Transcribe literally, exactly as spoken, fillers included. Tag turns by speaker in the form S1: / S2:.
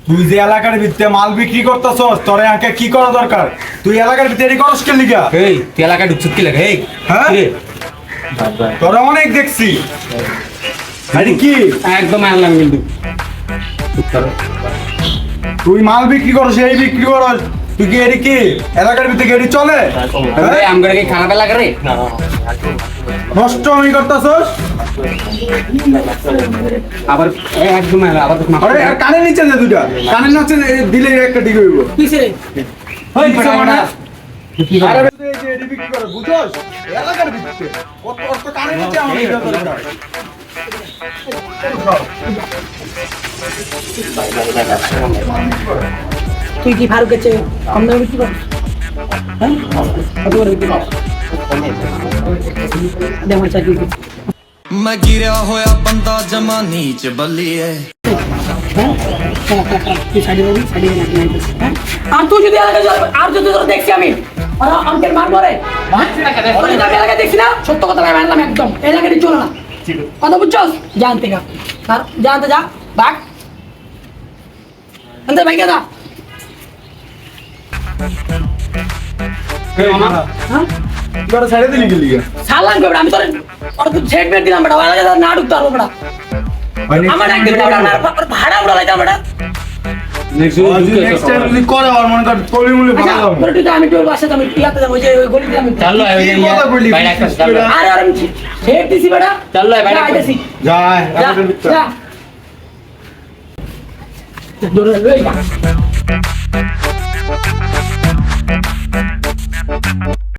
S1: তুই যে এলাকার ভিতরে মাল বিক্রি করতেছস তোর আগে কি করা দরকার? তুই এলাকার ভিতরে এরই করস কে লিগা?
S2: এই তুই এলাকায় ঢুকছিস কি লাগে? এই
S1: হ্যাঁ
S2: কিরে?
S1: তোরা অনেক দেখছি। আরে কি
S2: একদম আনলাম কিন্তু
S1: তুই মাল বিক্রি করস এই বিক্রি করস তুই কি এরি কি এলাকার ভিতরে এরি চলে? হ্যাঁ?
S2: এই আমগরে কি খারাপ এলাকা রে?
S1: নষ্ট আমি করতেছস।
S2: আবার এই একদম আবার তো
S1: আরে আর কানে নিচে দে দুইটা কানে নিচে দিলে একটা ঠিক হইব।
S2: কিসে রে?
S1: ওই কিছু মানে
S2: কি
S1: আরে
S2: করে?
S1: তুই এই যে এরি বিক্রি করস বুঝছস এলাকার ভিতরে কত কত কানে নিচে আমার এটা দরকার।
S3: তুই কি ফারুকের চেয়ে কম দামে বিক্রি করিস? হ্যাঁ কত করে বিক্রি করিস? দেওয়ার চাকরি কি?
S4: मैं गिरा होया बंदा जमा नीच बल्लिए
S3: হ্যাঁ তুই সাইডে বলি সাইডে না নাই হ্যাঁ আর তুই যদি এলাকা যাবে আর যদি তোরা দেখছি আমি আর আমাকে মারবো রে ওরে আমি এলাকা দেখছি না সত্য কথা আমি মানলাম একদম এলাকাটি চলে না কথা বুঝছস জানতে গা আর জানতে যা বাক আন্তে ভাইকে দা
S2: এই মামা
S3: হ্যাঁ
S1: তোরা ছেড়ে দিলি কি লিগা?
S3: সালাম করে আমি তোর আর তুই ছেড় মেরে দিলাম বেটা এলাকা না ঢুকতে পারবো বেটা আমার একদিন ভাড়া উড়া লাইতাম বেটা
S2: নেক্সট
S1: নেক্সট টাইম যদি করে আর মনে কর কলি মুলি
S3: আচ্ছা
S1: ভালো
S3: তোর তুই আমি তোর বাসাতে আমি ইয়াতে যাবো ওই যে ওই গলিতে আমি
S2: চল লো এই
S1: কি কথা বললি?
S2: বাইরে একটা চল লো
S3: আরে আরে আমি ছেড় দিছি বেটা
S2: চল লো বাইরে
S3: যা, আইতাছি।
S1: যা
S3: যা,
S1: এলাকার ভিতরে
S3: যা। দৌড়ে লই যা।